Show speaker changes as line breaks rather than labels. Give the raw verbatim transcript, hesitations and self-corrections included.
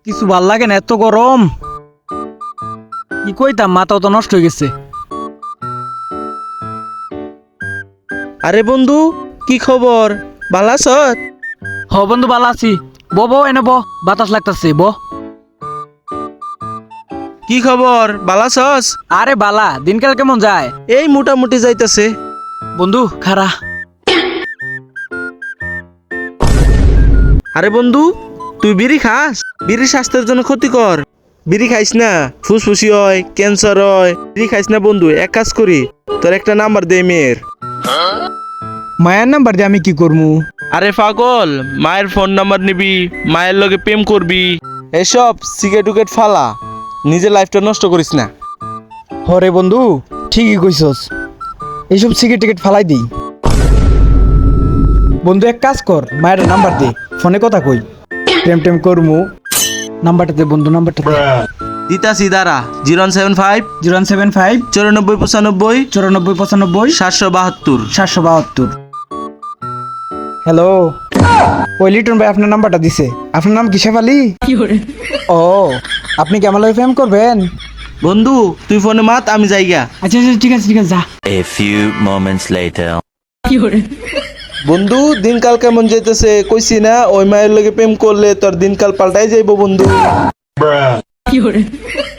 কিছু ভাল লাগে না, এত গরম। কি কইতাম, মাথাও তো নষ্ট হয়ে গেছে।
আরে বন্ধু, কি খবর? ভালো আছত?
হ বন্ধু, ভালো আছি। ব ব এনে ব, বাতাস লাগতাছে, ব।
কি খবর? ভালো আছস?
আরে বালা, দিনকাল কেমন যায়?
এই মোটামুটি যাইতাছে।
বন্ধু খারা।
আরে বন্ধু, তুই বিড়ি খাস? বিড়ি স্বাস্থ্যের জন্য ক্ষতিকর। বিড়ি খাইস না, ফুসফুসি হয়, ক্যান্সার হয়। বিড়ি খাইস না বন্ধু। এক কাজ করি, তোর একটা নাম্বার দে মেয়ের।
মায়ের নাম্বার দিয়ে আমি কি করবো?
আরে পাগল, মায়ের ফোন নাম্বার নিবি, মায়ের লগে প্রেম করবি। এসব সিগারেট টুকেট ফালা, নিজের লাইফটা নষ্ট করিস না।
হরে বন্ধু, ঠিকই কইছস। এইসব সিগারেট টিকেট ফালাই দিই। বন্ধু এক কাজ কর, মায়ের নাম্বার দে, ফোনে কথা কই। টেম টেম করমু। নাম্বারটা দে বন্ধু, নাম্বারটা দে।
দিতাছি দাঁড়া, zero seven five
zero seven five
চৌরানব্বই পঁচানব্বই
চৌরানব্বই পঁচানব্বই
সাতশো বাহাত্তর।
সাতশো বাহাত্তর। হ্যালো, ওই লিটন ভাই আপনার নাম্বারটা দিছে। আপনার নাম কি শেফালি? ও, আপনি কি আমার লগে প্রেম করবেন?
বন্ধু তুই ফোনে মাত, আমি যাইগা।
আচ্ছা আচ্ছা, ঠিক আছে ঠিক আছে, যা।
A few moments later.
বন্ধু দিনকাল কেমন যেতেছে কইছি না, ওই মায়ের লগে প্রেম করলে তোর দিনকাল পাল্টাই যাইবো বন্ধু।